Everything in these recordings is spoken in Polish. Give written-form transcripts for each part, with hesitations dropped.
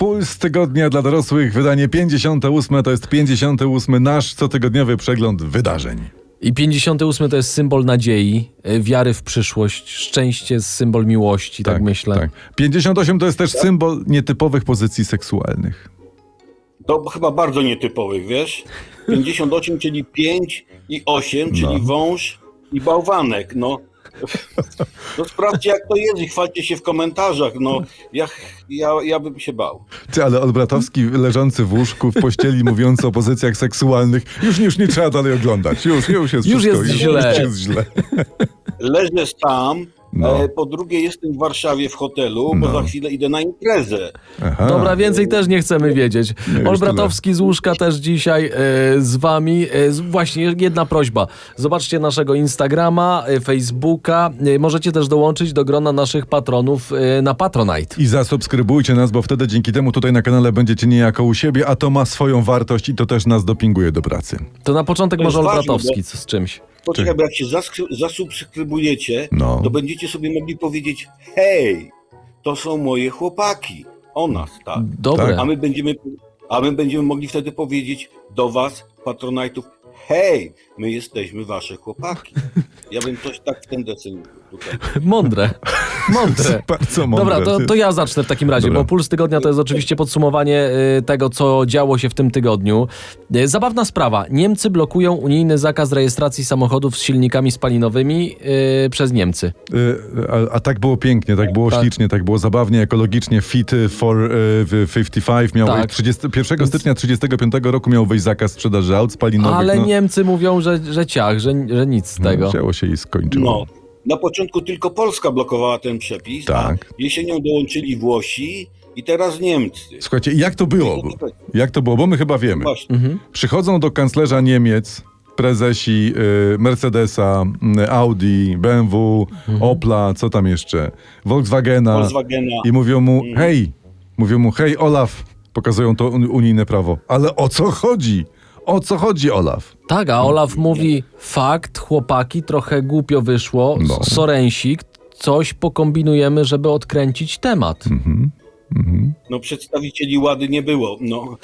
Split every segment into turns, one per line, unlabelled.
Puls tygodnia dla dorosłych, wydanie 58. To jest 58. nasz cotygodniowy przegląd wydarzeń.
I 58 to jest symbol nadziei, wiary w przyszłość, szczęście, symbol miłości, tak myślę.
Tak. 58 to jest też symbol nietypowych pozycji seksualnych.
To chyba bardzo nietypowych, wiesz? 58, czyli 5 i 8, czyli wąż i bałwanek, no. No sprawdźcie, jak to jest i chwalcie się w komentarzach, no. Ja bym się bał.
Ty, ale Olbratowski leżący w łóżku, w pościeli, mówiąc o pozycjach seksualnych, już nie trzeba dalej oglądać. Już jest
Już
wszystko.
jest źle.
Już jest źle.
Leżę tam,
No.
po drugie jestem w Warszawie w hotelu, bo za chwilę idę na imprezę.
Aha.
Dobra, więcej też nie chcemy wiedzieć.
już
Olbratowski z łóżka też dzisiaj z wami. Właśnie jedna prośba. Zobaczcie naszego Instagrama, Facebooka. Możecie też dołączyć do grona naszych patronów na Patronite.
I zasubskrybujcie nas, bo wtedy dzięki temu tutaj na kanale będziecie niejako u siebie, a to ma swoją wartość i to też nas dopinguje do pracy.
To na początek
To
może
jest ważne,
Olbratowski
bo-
z czymś.
Poczekaj, bo jak się zasubskrybujecie,
No.
to będziecie sobie mogli powiedzieć: hej, to są moje chłopaki. O nas, tak.
Dobre.
Tak.
A my będziemy mogli wtedy powiedzieć do was, patronajtów: hej, my jesteśmy wasze chłopaki. Ja bym coś tak w ten deseń tutaj.
Mądre.
Bardzo mądre.
Dobra, to ja zacznę w takim razie,
Dobra.
bo Puls Tygodnia to jest oczywiście podsumowanie tego, co działo się w tym tygodniu. Zabawna sprawa. Niemcy blokują unijny zakaz rejestracji samochodów z silnikami spalinowymi przez Niemcy.
A tak było pięknie, tak było ślicznie, tak było zabawnie, ekologicznie. Fit for 55 miał
Tak.
wejść 1 stycznia 1935 roku miał wejść zakaz sprzedaży aut spalinowych.
Ale Niemcy mówią, że ciach, że nic z tego.
Wzięło się i skończyło.
No, na początku tylko Polska blokowała ten przepis,
Tak.
a jesienią dołączyli Włosi i teraz Niemcy.
Słuchajcie, jak to było? Jak to było? Bo my chyba wiemy.
Właśnie.
Przychodzą do kanclerza Niemiec prezesi Mercedesa, Audi, BMW, Opla, co tam jeszcze, Volkswagena i mówią mu, hej Olaf, pokazują to unijne prawo. Ale o co chodzi? O co chodzi, Olaf?
Tak, a Olaf mówi, fakt, chłopaki, trochę głupio wyszło,
No.
sorensik, coś pokombinujemy, żeby odkręcić temat.
No przedstawicieli Łady nie było. No,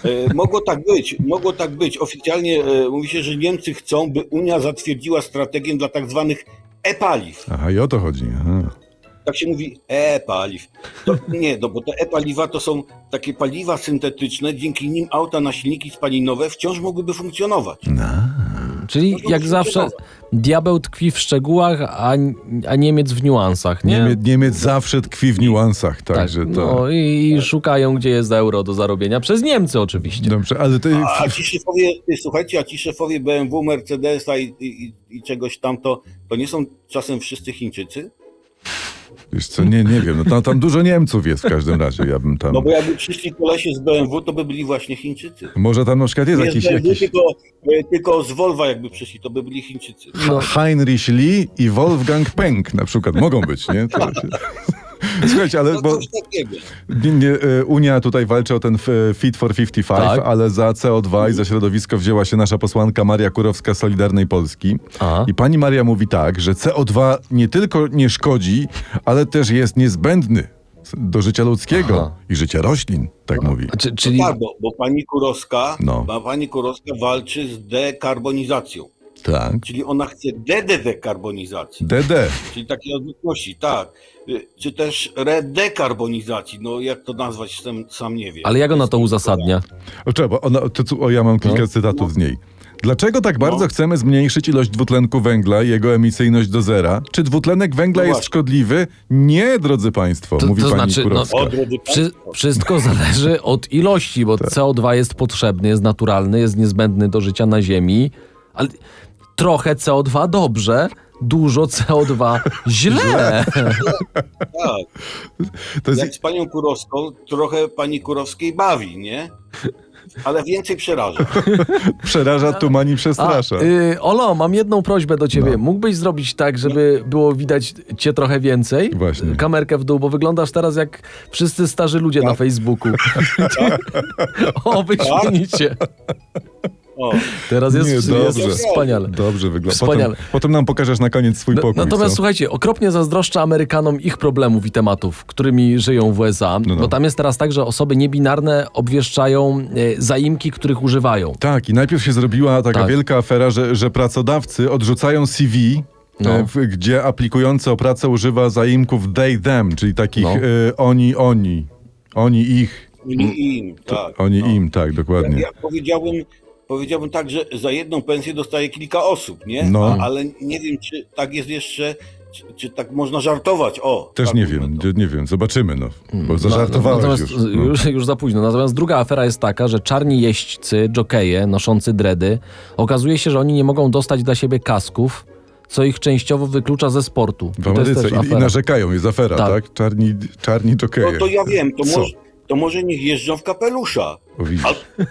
mogło tak być. Oficjalnie mówi się, że Niemcy chcą, by Unia zatwierdziła strategię dla tak zwanych e-paliw.
Aha, i o to chodzi. Aha.
Tak się mówi e-paliw. To nie, no bo te e-paliwa to są takie paliwa syntetyczne, dzięki nim auta na silniki spalinowe wciąż mogłyby funkcjonować.
Czyli
No to
jak
się
zawsze
wydawa.
diabeł tkwi w szczegółach, a Niemiec w niuansach, nie?
Niemiec zawsze tkwi w niuansach,
Tak,
także to...
no i szukają, gdzie jest euro do zarobienia. Przez Niemcy oczywiście.
Dobrze, ale to...
A ci szefowie, słuchajcie, BMW, Mercedesa i czegoś tam, to nie są czasem wszyscy Chińczycy?
Wiesz co, nie wiem, no tam dużo Niemców jest w każdym razie, ja bym tam...
No bo jakby przyszli kolesie z BMW, to by byli właśnie Chińczycy.
Może tam na przykład jest
Nie z
jakiś...
BMW, tylko z Volvo jakby przyszli, to by byli Chińczycy.
No.
Heinrich Lee i Wolfgang Peng na przykład mogą być, nie? Słuchajcie, ale
No
bo
coś takiego.
Unia tutaj walczy o ten Fit for 55,
Tak.
ale za CO2 i za środowisko wzięła się nasza posłanka Maria Kurowska z Solidarnej Polski.
A.
I pani Maria mówi tak, że CO2 nie tylko nie szkodzi, ale też jest niezbędny do życia ludzkiego
Aha.
i życia roślin, tak mówi.
Czyli
Tak, bo
No.
pani Kurowska walczy z dekarbonizacją.
Tak.
Czyli ona chce dekarbonizacji.
DD.
Czyli takiej odwrotności, tak. Czy też redekarbonizacji, no jak to nazwać, sam nie wiem.
ale jak ona to uzasadnia?
Trzeba, ja mam kilka cytatów z niej. Dlaczego tak bardzo chcemy zmniejszyć ilość dwutlenku węgla i jego emisyjność do zera? Czy dwutlenek węgla
No
jest
właśnie.
szkodliwy? Nie, drodzy państwo, mówi
to
pani
znaczy,
Kurowska.
O, drodzy państwo.
Wszystko zależy od ilości, bo CO2 jest potrzebny, jest naturalny, jest niezbędny do życia na Ziemi, ale trochę CO2 dobrze, dużo CO2 źle.
Tak.
To jest,
Jak z panią Kurowską, trochę pani Kurowskiej bawi, nie? Ale więcej przeraża.
przeraża, tumani, przestrasza.
Olo, mam jedną prośbę do ciebie.
No.
Mógłbyś zrobić tak, żeby było widać cię trochę więcej?
Właśnie.
Kamerkę w dół, bo wyglądasz teraz jak wszyscy starzy ludzie na Facebooku. O, wyśmienicie.
O.
Teraz jest,
Nie,
jest
dobrze.
wspaniale.
Dobrze wygląda.
Wspaniale.
Potem nam pokażesz na koniec swój pokój.
Natomiast
co?
słuchajcie, okropnie zazdroszczę Amerykanom ich problemów i tematów, którymi żyją w USA,
No.
bo tam jest teraz tak, że osoby niebinarne obwieszczają zaimki, których używają.
Tak, i najpierw się zrobiła taka
Tak.
wielka afera, że pracodawcy odrzucają CV,
No.
gdzie aplikujący o pracę używa zaimków they, them, czyli takich
No.
oni, ich,
Im, tak.
oni,
no.
im, tak, dokładnie.
Ja powiedziałbym tak, że za jedną pensję dostaje kilka osób, nie?
No.
Ale nie wiem, czy tak jest jeszcze, czy tak można żartować. O,
Też
tak
nie
mówimy
wiem,
to.
nie wiem, zobaczymy, no, bo zażartowałeś
Natomiast
już. No.
już za późno. Natomiast druga afera jest taka, że czarni jeźdźcy, dżokeje noszący dredy, okazuje się, że oni nie mogą dostać dla siebie kasków, co ich częściowo wyklucza ze sportu.
W
I to jest
Ameryce
też
i
afera.
narzekają, jest afera,
Tak.
tak? Czarni jokeje.
No to ja wiem,
Co?
to może niech jeżdżą w kapelusza.
O, widzisz.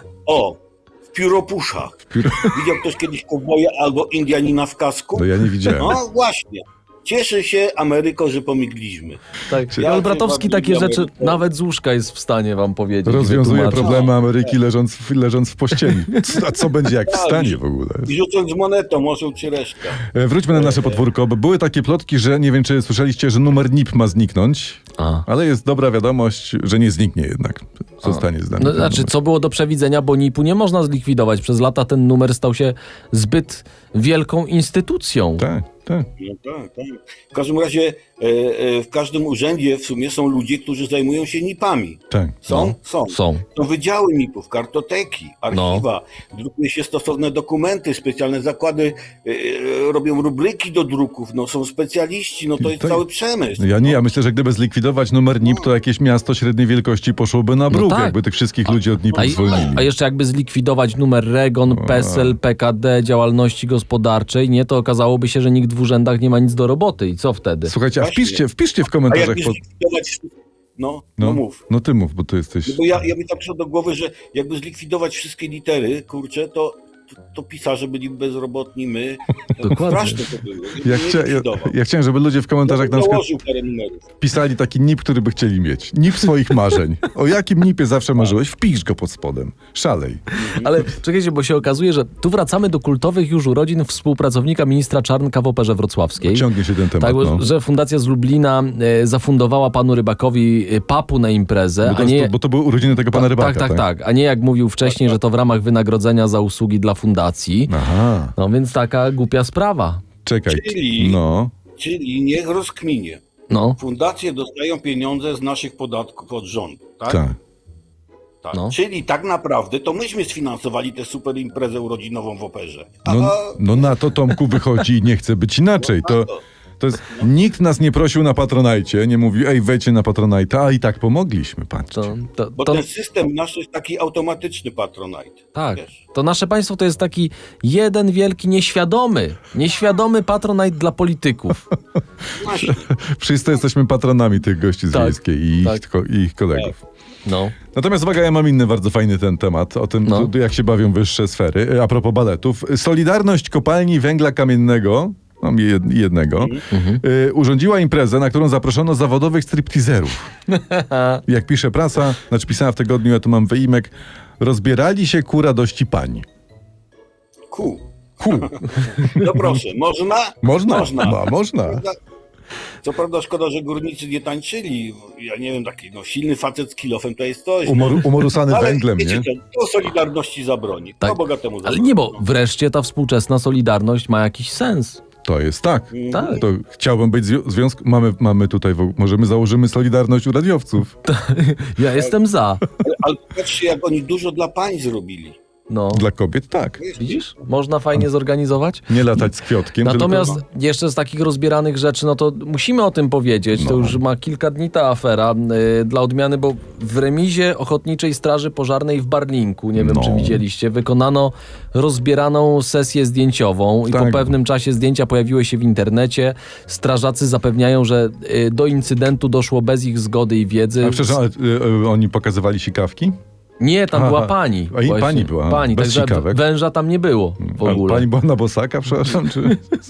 W pióropuszach.
Pióro-
Widział ktoś kiedyś kowboja albo Indianina w kasku?
No ja nie widziałem.
No właśnie. Cieszę się, Ameryko, że pomigliśmy.
Tak.
Ja
Jan Bratowski
się
takie
bawiłem,
rzeczy
ale-
nawet z łóżka jest w stanie wam powiedzieć. i
Rozwiązuje
wytłumaczyć.
problemy Ameryki leżąc w pościeli. A co będzie jak wstanie w ogóle?
I rzucąc monetą, osioł czy reszka.
Wróćmy na nasze podwórko, bo były takie plotki, że nie wiem, czy słyszeliście, że numer NIP ma zniknąć, ale jest dobra wiadomość, że nie zniknie jednak. Zostanie zdany.
No,
ten
znaczy,
numer.
co było do przewidzenia, bo NIP-u nie można zlikwidować. Przez lata ten numer stał się zbyt wielką instytucją.
Tak, tak.
No tak. W każdym razie w każdym urzędzie w sumie są ludzie, którzy zajmują się NIP-ami.
Tak.
Są?
No,
Są.
są.
Są wydziały NIP-ów, kartoteki, archiwa, drukuje się stosowne dokumenty, specjalne zakłady robią rubryki do druków, no są specjaliści, no to jest
To-
cały przemysł.
Ja myślę, że gdyby zlikwidować numer NIP, to jakieś miasto średniej wielkości poszłoby na bruk,
tak.
jakby tych wszystkich ludzi od NIP-u zwolnili.
A jeszcze jakby zlikwidować numer REGON, PESEL, PKD, działalności gospodarczej, nie, to okazałoby się, że nikt w urzędach nie ma nic do roboty. I co wtedy?
Słuchajcie, a
Właśnie.
wpiszcie w
A
komentarzach.
jakby zlikwidować... No mów.
No ty mów, bo ty jesteś...
Bo ja mi tak przyszło do głowy, że jakby zlikwidować wszystkie litery, kurczę, to pisarze byli bezrobotni, my.
Dokładnie.
Straszne to było.
Ja chciałem, żeby ludzie w komentarzach na przykład
Założył parę numerów.
pisali taki NIP, który by chcieli mieć. NIP swoich marzeń. O jakim NIP-ie zawsze marzyłeś? Wpisz go pod spodem. Szalej.
Ale czekajcie, bo się okazuje, że tu wracamy do kultowych już urodzin współpracownika ministra Czarnka w Operze Wrocławskiej.
Ciągnie się ten temat.
Tak,
no.
że Fundacja z Lublina zafundowała panu Rybakowi papu na imprezę,
Bo to były urodziny tego pana Rybaka,
tak. A nie jak mówił wcześniej, że to w ramach wynagrodzenia za usługi dla fundacji.
Aha.
No więc taka głupia sprawa.
Czekaj.
Czyli-
No.
Czyli niech rozkminie.
No,
Fundacje dostają pieniądze z naszych podatków od rządu, tak?
Tak.
Tak.
No.
Czyli tak naprawdę to myśmy sfinansowali tę super imprezę urodzinową w Operze.
No na to, Tomku, wychodzi i nie chce być inaczej. To jest, nikt nas nie prosił na Patronajcie, nie mówił, ej, wejdźcie na Patronajta, a i tak pomogliśmy, patrzcie.
Bo ten system nasz jest taki automatyczny Patronite.
tak.
Wiesz?
To nasze państwo to jest taki jeden wielki nieświadomy patronat dla polityków.
Właśnie.
Wszyscy jesteśmy patronami tych gości z
Tak,
Wiejskiej i ich kolegów.
No.
Natomiast uwaga, ja mam inny bardzo fajny ten temat, o tym,
No.
jak się bawią wyższe sfery. A propos baletów. Solidarność Kopalni Węgla Kamiennego, mam jednego, urządziła imprezę, na którą zaproszono zawodowych stripteaserów. Jak pisze prasa, znaczy pisała w tygodniu, ja tu mam wyimek, rozbierali się ku radości pań.
Ku. No proszę, można?
Można?
Można.
Można.
Co prawda szkoda, że górnicy nie tańczyli. Ja nie wiem, taki silny facet z kilofem to jest coś.
Umorusany
Ale
węglem,
wiecie
nie?
co, to Solidarności zabroni.
Tak.
To bogatemu
Ale
zabroni.
nie, bo wreszcie ta współczesna solidarność ma jakiś sens.
To jest tak.
Tak.
To chciałbym być w związku... Mamy tutaj, założymy Solidarność u radiowców.
Ja jestem za.
Ale patrzcie, jak oni dużo dla pań zrobili.
No.
Dla kobiet tak.
Widzisz? Można fajnie zorganizować.
Nie latać z kwiotkiem.
Natomiast
tylko...
jeszcze z takich rozbieranych rzeczy, no to musimy o tym powiedzieć. To już ma kilka dni ta afera dla odmiany, bo w remizie Ochotniczej Straży Pożarnej w Barlinku, nie wiem czy widzieliście, wykonano rozbieraną sesję zdjęciową i po
Tak.
pewnym czasie zdjęcia pojawiły się w internecie. Strażacy zapewniają, że do incydentu doszło bez ich zgody i wiedzy.
A przepraszam, ale oni pokazywali sikawki?
Nie, tam
Aha.
była pani.
A i
właśnie.
pani była,
Pani,
bez
także
sikawek.
węża tam nie było w ogóle.
Pani była na bosaka, przepraszam, czy...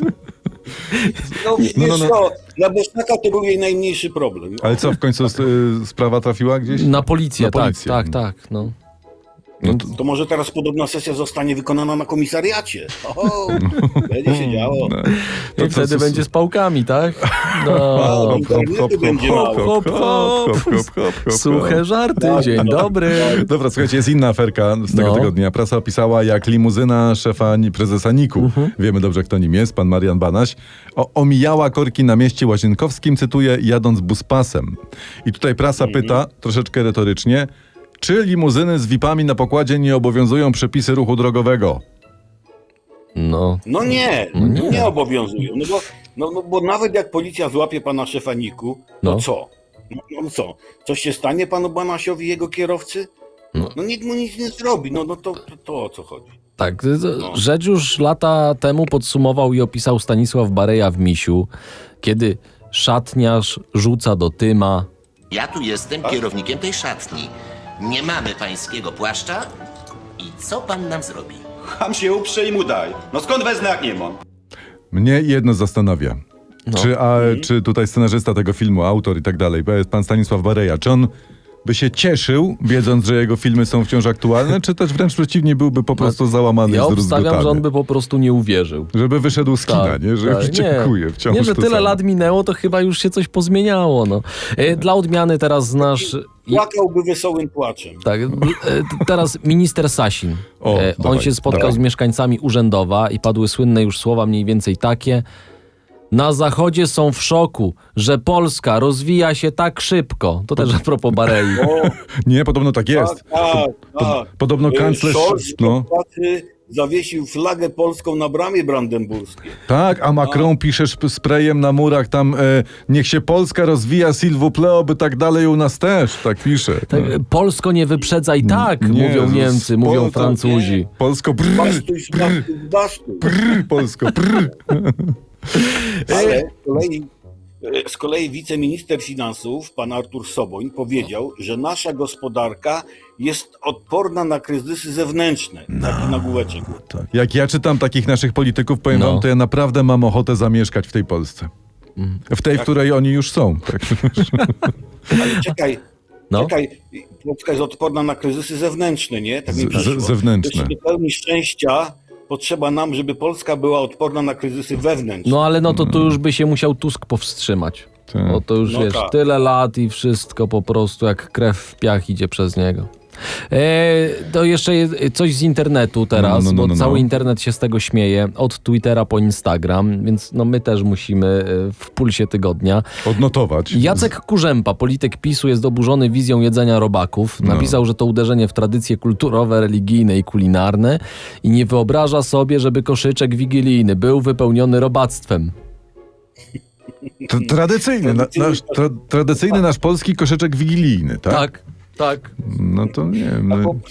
No, wiesz co, dla Bosnaka to był jej najmniejszy problem.
Ale co, w końcu sprawa trafiła gdzieś?
Na policję,
Na policję.
tak. No.
To może teraz podobna sesja zostanie wykonana na komisariacie. O, będzie się działo.
I wtedy będzie z pałkami, tak? No.
Internety będzie mało.
Suche żarty, dzień dobry.
Dobra, słuchajcie, jest inna aferka z tego
No.
tygodnia. Prasa opisała, jak limuzyna szefa prezesa NIK-u, wiemy dobrze, kto nim jest, pan Marian Banaś, omijała korki na mieście Łazienkowskim, cytuję, jadąc buspasem. I tutaj prasa pyta, troszeczkę retorycznie, czy limuzyny z VIP-ami na pokładzie nie obowiązują przepisy ruchu drogowego?
No.
No nie obowiązują. Bo nawet jak policja złapie pana szefa NIK-u,
No.
to co? No co? Coś się stanie panu Banasiowi i jego kierowcy? No nikt mu nic nie zrobi. To o co chodzi?
Tak, rzecz już lata temu podsumował i opisał Stanisław Bareja w Misiu, kiedy szatniarz rzuca do Tyma.
Ja tu jestem kierownikiem tej szatni. Nie mamy pańskiego płaszcza i co pan nam zrobi?
Ham się uprze i mu daj. No skąd wezmę, jak nie mam?
Mnie jedno zastanawia. Czy tutaj scenarzysta tego filmu, autor i tak dalej, pan Stanisław Bareja, czy on by się cieszył, wiedząc, że jego filmy są wciąż aktualne, czy też wręcz przeciwnie, byłby po prostu załamany
Ja
i
obstawiam,
zdruzgotany?
że on by po prostu nie uwierzył.
Żeby wyszedł z kina, nie? Że już dziękuję, wciąż
Nie, że
to
tyle
samo.
lat minęło, to chyba już się coś pozmieniało. No. Dla odmiany teraz znasz...
Płakałby wesołym płaczem.
Tak, teraz minister Sasin.
O,
On
dawaj,
się spotkał
dawaj.
z mieszkańcami Urzędowa i padły słynne już słowa mniej więcej takie. Na Zachodzie są w szoku, że Polska rozwija się tak szybko. To też a propos Barei.
Nie, podobno tak jest.
Tak.
Podobno kanclerz...
Scholz
No,
zawiesił flagę polską na bramie brandenburskiej.
tak, a Macron pisze sprayem na murach tam niech się Polska rozwija, s'il vous plaît, by tak dalej u nas też. Tak pisze.
Tak, Polsko nie wyprzedzaj tak,
Nie,
mówią Niemcy, mówią Francuzi.
Polsko,
Bastuj, bastuj.
Polsko, brr.
Ale z kolei wiceminister finansów, pan Artur Soboń, powiedział, że nasza gospodarka jest odporna na kryzysy zewnętrzne. Taki nagłóweczek.
Jak ja czytam takich naszych polityków, powiem wam, to ja naprawdę mam ochotę zamieszkać w tej Polsce. W tej, w której oni już są. Tak.
Ale czekaj, Polska jest odporna na kryzysy zewnętrzne, nie? Tak mi przyszło.
Zewnętrzne.
Jeszcze do pełni szczęścia potrzeba nam, żeby Polska była odporna na kryzysy wewnętrzne.
No ale to tu już by się musiał Tusk powstrzymać.
Tak.
Bo to już
No
wiesz,
tak.
tyle lat i wszystko po prostu jak krew w piach idzie przez niego. To jeszcze coś z internetu teraz, bo cały internet się z tego śmieje, od Twittera po Instagram, więc my też musimy w pulsie tygodnia.
Odnotować.
Jacek Kurzępa, polityk PiS-u, jest oburzony wizją jedzenia robaków. Napisał, że to uderzenie w tradycje kulturowe, religijne i kulinarne i nie wyobraża sobie, żeby koszyczek wigilijny był wypełniony robactwem.
Tradycyjny nasz polski koszyczek wigilijny, tak?
Tak.
No to nie wiem.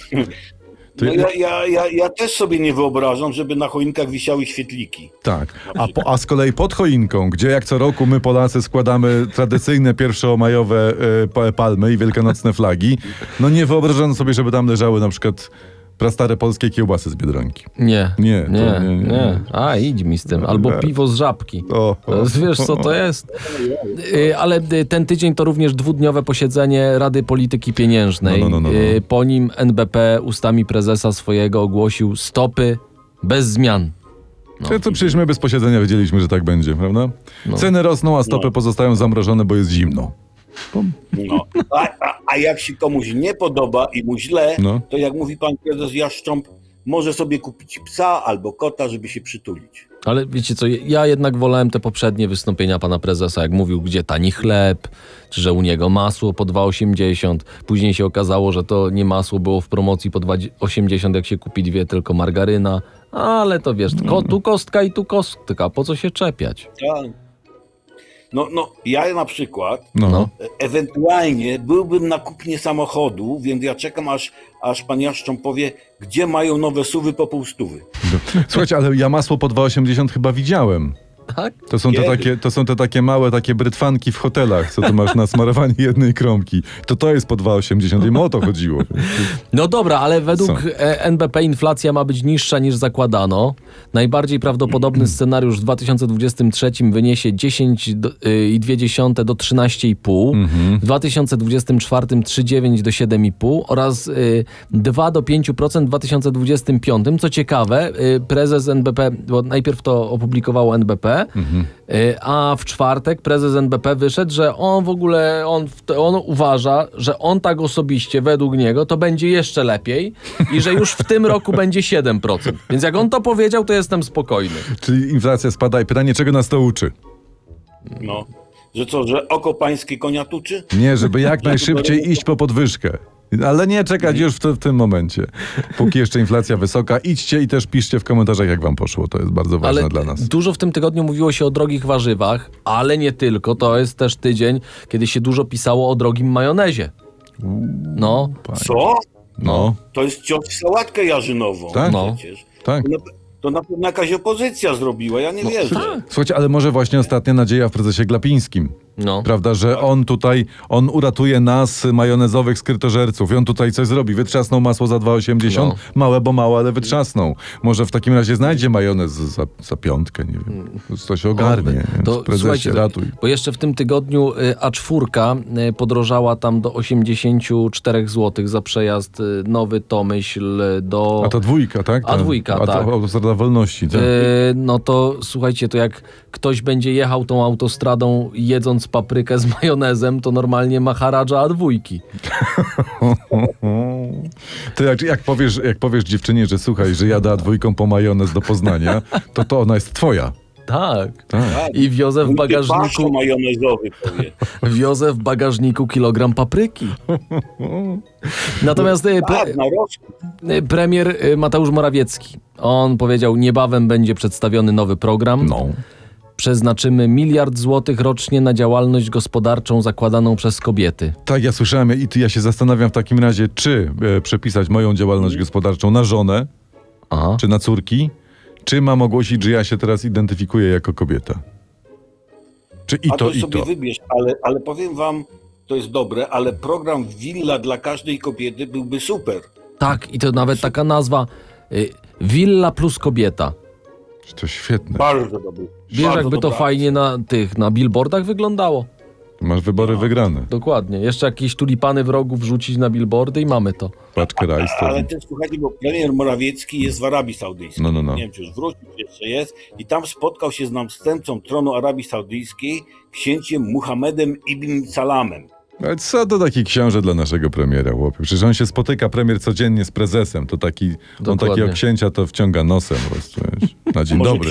Ja też sobie nie wyobrażam, żeby na choinkach wisiały świetliki.
Tak, a z kolei pod choinką, gdzie jak co roku my Polacy składamy tradycyjne pierwszomajowe palmy i wielkanocne flagi, no nie wyobrażam sobie, żeby tam leżały na przykład prastare polskie kiełbasy z Biedronki.
Nie.
Nie.
A, idź mi z tym. Albo piwo z Żabki. Wiesz, co to jest? Ale ten tydzień to również dwudniowe posiedzenie Rady Polityki Pieniężnej.
No.
Po nim NBP ustami prezesa swojego ogłosił stopy bez zmian.
To przecież my bez posiedzenia wiedzieliśmy, że tak będzie, prawda? Ceny rosną, a stopy pozostają zamrożone, bo jest zimno.
A jak się komuś nie podoba i mu źle, to jak mówi pan prezes Jaszcząb, może sobie kupić psa albo kota, żeby się przytulić.
Ale wiecie co, ja jednak wolałem te poprzednie wystąpienia pana prezesa, jak mówił, gdzie tani chleb, czy że u niego masło po 2,80. Później się okazało, że to nie masło było w promocji po 2,80, jak się kupi dwie, tylko margaryna. Ale to wiesz, tu kostka i tu kostka, po co się czepiać?
Tak. Ja na przykład
No.
ewentualnie byłbym na kupnie samochodu, więc ja czekam, aż pan Jaszcząb powie, gdzie mają nowe SUV-y po 200.
Słuchajcie, ale ja masło po 2,80 chyba widziałem.
Tak?
To są te takie małe, takie brytwanki w hotelach, co tu masz na smarowanie jednej kromki. To jest po 2,80 i o to chodziło.
No dobra, ale według
Co?
NBP inflacja ma być niższa niż zakładano. Najbardziej prawdopodobny scenariusz w 2023 wyniesie 10,2 do 13,5, w 2024 3,9 do 7,5 oraz 2 do 5% w 2025. Co ciekawe, prezes NBP, bo najpierw to opublikowało NBP, a w czwartek prezes NBP wyszedł, że on w ogóle, on uważa, że on tak osobiście, według niego, to będzie jeszcze lepiej i że już w tym roku będzie 7%. Więc jak on to powiedział, to jestem spokojny.
Czyli inflacja spada i pytanie, czego nas to uczy?
No. Że co, że oko pańskie konia tuczy?
Nie, żeby jak najszybciej iść po podwyżkę. Ale nie czekać już w tym momencie. Póki jeszcze inflacja wysoka, idźcie i też piszcie w komentarzach, jak wam poszło. To jest bardzo ważne
Ale
dla nas.
dużo w tym tygodniu mówiło się o drogich warzywach, ale nie tylko. To jest też tydzień, kiedy się dużo pisało o drogim majonezie. No,
Co?
No,
To jest cios w sałatkę jarzynową.
Tak?
No.
Przecież.
tak.
To na pewno jakaś opozycja zrobiła, ja nie wierzę.
Słuchajcie, ale może właśnie ostatnia nadzieja w prezesie Glapińskim.
no.
Prawda, że on uratuje nas, majonezowych skrytożerców. I on tutaj coś zrobi. Wytrzasnął masło za 2,80.
No.
Małe, bo małe, ale wytrzasnął. Może w takim razie znajdzie majonez za 5, nie wiem. To się ogarnie.
To,
Prezesie,
słuchajcie,
ratuj.
bo jeszcze w tym tygodniu A4 podrożała tam do 84 zł za przejazd Nowy Tomyśl do...
A to 2, tak?
A2,
A
tak.
to Autostrada Wolności, tak?
No to słuchajcie, to jak ktoś będzie jechał tą autostradą jedząc paprykę z majonezem, to normalnie maharadża A2.
Ty jak powiesz dziewczynie, że słuchaj, że jadę A2 po majonez do Poznania, to ona jest twoja.
Tak.
Tak.
I wiozę w
Paszczo
bagażniku,
majonezowy powie.
wiozę w bagażniku kilogram papryki. Natomiast
Tak, na rosół.
premier Mateusz Morawiecki, on powiedział, niebawem będzie przedstawiony nowy program.
No.
Przeznaczymy 1 miliard złotych rocznie na działalność gospodarczą zakładaną przez kobiety.
Tak, ja słyszałem i ja się zastanawiam w takim razie, czy przepisać moją działalność gospodarczą na żonę,
Aha.
czy na córki, czy mam ogłosić, że ja się teraz identyfikuję jako kobieta. Czy i
A
to,
to
i
sobie
to.
wybierz, ale powiem wam, to jest dobre, ale program Willa dla każdej kobiety byłby super.
Tak, i to nawet taka nazwa Willa plus kobieta.
To świetne.
Bardzo dobry.
Wiesz,
Bardzo
jakby to
dobra
fajnie na billboardach wyglądało?
Masz wybory wygrane.
Dokładnie. Jeszcze jakieś tulipany w rogu wrzucić na billboardy i mamy to.
Paczkę
akcja.
rajstop.
Ale też słuchajcie, bo premier Morawiecki jest w Arabii Saudyjskiej.
No.
Nie wiem, czy już wrócił, czy jeszcze jest. I tam spotkał się z następcą tronu Arabii Saudyjskiej, księciem Muhammedem ibn Salamem.
Ale co to taki książę dla naszego premiera, chłopie? Przecież on się spotyka, premier, codziennie z prezesem. To on
Dokładnie.
takiego księcia to wciąga nosem po prostu, wiesz. Na dzień dobry.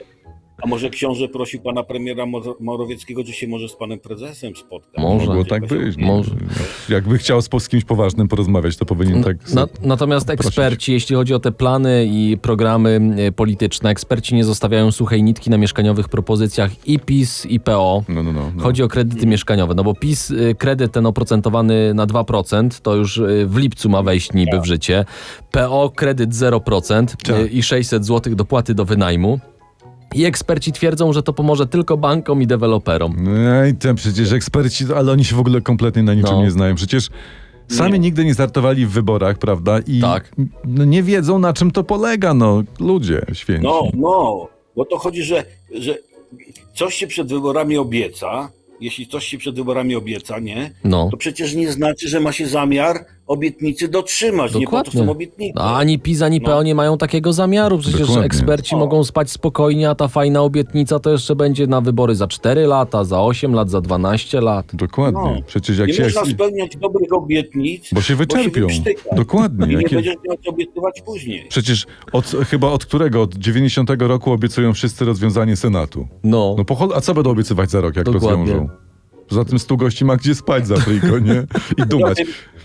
A może książę prosił pana premiera Morawieckiego, czy się może z panem prezesem spotkać?
Może.
Mogło tak być.
Może.
Jakby chciał z kimś poważnym porozmawiać, to powinien tak...
Natomiast eksperci, jeśli chodzi o te plany i programy polityczne, eksperci nie zostawiają suchej nitki na mieszkaniowych propozycjach i PiS, i PO.
No.
Chodzi o kredyty mieszkaniowe, no bo PiS kredyt ten oprocentowany na 2%, to już w lipcu ma wejść niby w życie. PO kredyt 0%
Tak.
i 600 zł dopłaty do wynajmu. I eksperci twierdzą, że to pomoże tylko bankom i deweloperom.
No i tam przecież eksperci, ale oni się w ogóle kompletnie na niczym
No.
nie znają. Przecież sami nigdy nie startowali w wyborach, prawda? I
Tak.
nie wiedzą, na czym to polega, ludzie święci.
No, bo to chodzi, że coś się przed wyborami obieca. Jeśli coś się przed wyborami obieca, nie?
No.
To przecież nie znaczy, że ma się zamiar obietnicy dotrzymać. Nie po to
Dokładnie.
są obietnice.
A ani PiS, ani PO nie mają takiego zamiaru. Przecież
Dokładnie.
eksperci
O.
mogą spać spokojnie, a ta fajna obietnica to jeszcze będzie na wybory za 4 lata, za 8 lat, za 12 lat.
Dokładnie.
No.
Przecież jak
Nie
się...
można spełniać dobrych obietnic,
Bo się wyczerpią.
wyprztyka.
Dokładnie.
I nie
Jakie...
będziesz miał co obiecywać później.
Przecież chyba od którego? Od 90 roku obiecują wszyscy rozwiązanie Senatu.
No.
A co będą obiecywać za rok, jak
Dokładnie.
rozwiążą? Poza tym 100 gości ma gdzie spać za friko, nie? I dumać.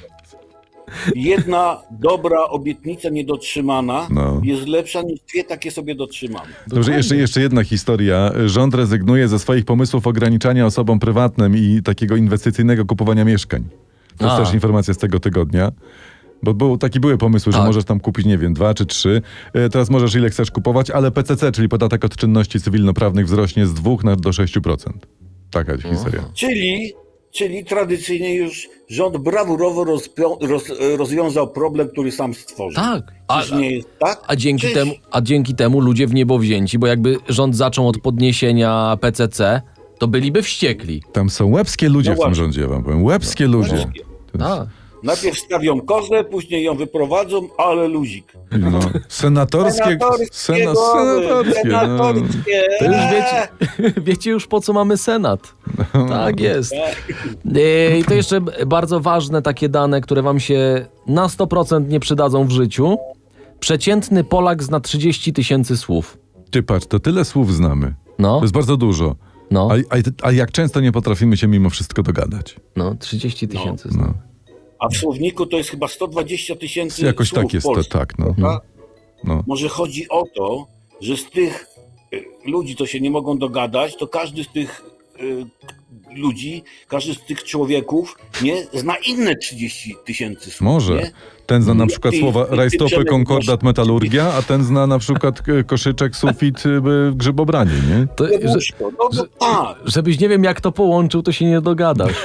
Jedna dobra obietnica niedotrzymana
No.
jest lepsza niż dwie takie sobie dotrzymane.
Dobrze, jeszcze jedna historia. Rząd rezygnuje ze swoich pomysłów ograniczania osobom prywatnym i takiego inwestycyjnego kupowania mieszkań. To jest
A.
też informacja z tego tygodnia. Bo były pomysły, że
Tak.
możesz tam kupić, nie wiem, 2 czy 3. Teraz możesz ile chcesz kupować, ale PCC, czyli podatek od czynności cywilnoprawnych, wzrośnie z 2 do 6%. Taka historia.
Czyli tradycyjnie już rząd brawurowo rozwiązał problem, który sam stworzył.
Tak.
Czyż nie jest tak?
A dzięki temu ludzie w niebo wzięci, bo jakby rząd zaczął od podniesienia PCC, to byliby wściekli.
Tam są łebskie ludzie
No
w tym
właśnie.
rządzie, ja wam powiem. Łebskie ludzie.
Łebskie.
Tak.
Najpierw stawią kozę, później ją wyprowadzą, ale luzik.
No. Senatorskie. Senatorskie. No.
To już wiecie już po co mamy Senat. Tak jest. I to jeszcze bardzo ważne takie dane, które wam się na 100% nie przydadzą w życiu. Przeciętny Polak zna 30 000 słów.
Ty patrz, to tyle słów znamy.
No,
To jest bardzo dużo.
no,
A jak często nie potrafimy się mimo wszystko dogadać?
no, 30 000 słów.
No.
A w słowniku to jest chyba 120 000
Jakoś
słów
tak jest to,
polskich,
tak. No.
prawda?
No.
Może chodzi o to, że z tych ludzi, co się nie mogą dogadać, to każdy z tych ludzi, każdy z tych człowieków nie zna inne 30 000 słów.
Może.
Nie?
Ten zna na przykład
I-
słowa
i-
rajstopy,
Przemek,
konkordat, metalurgia, a ten zna na przykład koszyczek, sufit, grzybobranie, nie?
To,
Łóżko. No tak.
żebyś nie wiem jak to połączył, to się nie dogadasz.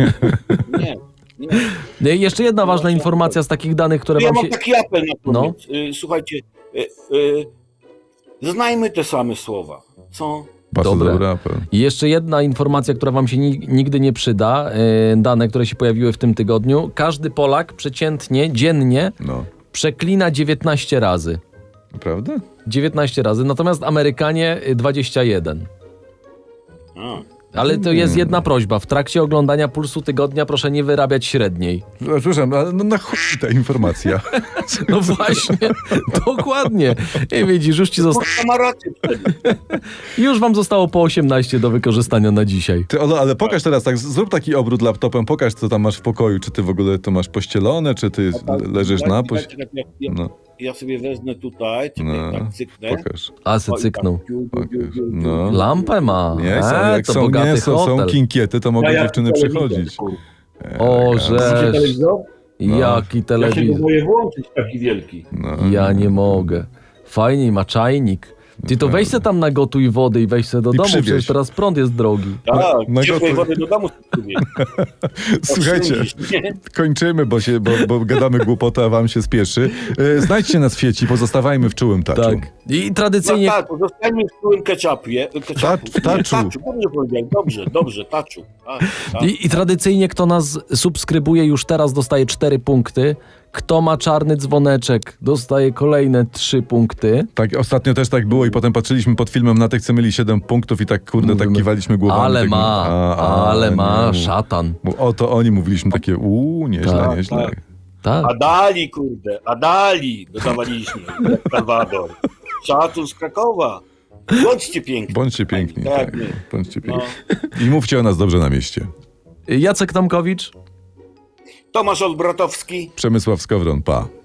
Nie.
Jeszcze jedna ważna informacja z takich danych, które
Ja
wam
mam
się...
taki apel na
No.
koniec. Słuchajcie, znajmy te same słowa. Co?
Bardzo
Dobre.
dobry apel.
I jeszcze jedna informacja, która wam się nigdy nie przyda. Dane, które się pojawiły w tym tygodniu. Każdy Polak przeciętnie, dziennie
No.
przeklina 19 razy.
Naprawdę?
19 razy, natomiast Amerykanie 21.
A.
Ale to jest jedna prośba. W trakcie oglądania Pulsu Tygodnia proszę nie wyrabiać średniej.
Przepraszam, ale no na chuj ta informacja.
No właśnie, dokładnie. I widzisz,
Kurwa, ma rację wtedy.
już wam zostało po 18 do wykorzystania na dzisiaj.
Ty, Olo, ale pokaż teraz, tak, zrób taki obrót laptopem, pokaż co tam masz w pokoju, czy ty w ogóle to masz pościelone, czy ty leżysz na
Czekaj,
No,
ja sobie wezmę tutaj, czekaj,
no,
tak cyknę.
pokaż.
A se
O, i
cyknął.
tak, ciu,
Pokaż.
ciu, ciu, ciu,
No.
ciu.
Lampę ma.
Nie, jak
To
są,
bogaty
nie, są
hotel.
kinkiety, to mogą
Ja jak
dziewczyny
telewizor,
przychodzić.
kurwa.
O,
Widzicie
żeż.
telewizor?
Jaki
Ja się go
telewizor.
boję włączyć, taki wielki.
No.
Ja nie mogę. Fajnie, ma czajnik. Ty to weź se tam nagotuj wody i weź se do
I
domu,
przywieź.
przecież teraz prąd jest drogi.
Tak,
na
ciepłej
gotuj.
wody do domu sobie.
Słuchajcie,
Oszczędzisz, nie?
kończymy, bo gadamy głupotę, a wam się spieszy. Znajdźcie nas w sieci, pozostawajmy w czułym taczu.
Tak. I
No
tradycyjnie...
tak, zostańmy w całym ketchupie.
W taczu.
Dobrze powiedziałem, dobrze, taczu. Tak, tak.
I tradycyjnie kto nas subskrybuje już teraz dostaje 4 punkty. Kto ma czarny dzwoneczek dostaje kolejne 3 punkty.
Tak, ostatnio też tak było i potem patrzyliśmy pod filmem na tych, co mieli 7 punktów i tak, kurde, tak
Mówimy,
kiwaliśmy głowami.
Ale
tak,
ma,
nie.
szatan.
Bo oto oni mówiliśmy takie, nieźle,
Tak,
nieźle.
tak.
Tak.
Adali, kurde, Adali dodawaliśmy, jak Salwador. Szacun z Krakowa. Bądźcie piękni.
Bądźcie piękni,
Tak,
tak.
my.
Bądźcie
No.
piękni. I mówcie o nas dobrze na mieście.
Jacek Tomkowicz.
Tomasz Olbratowski.
Przemysław Skowron, pa.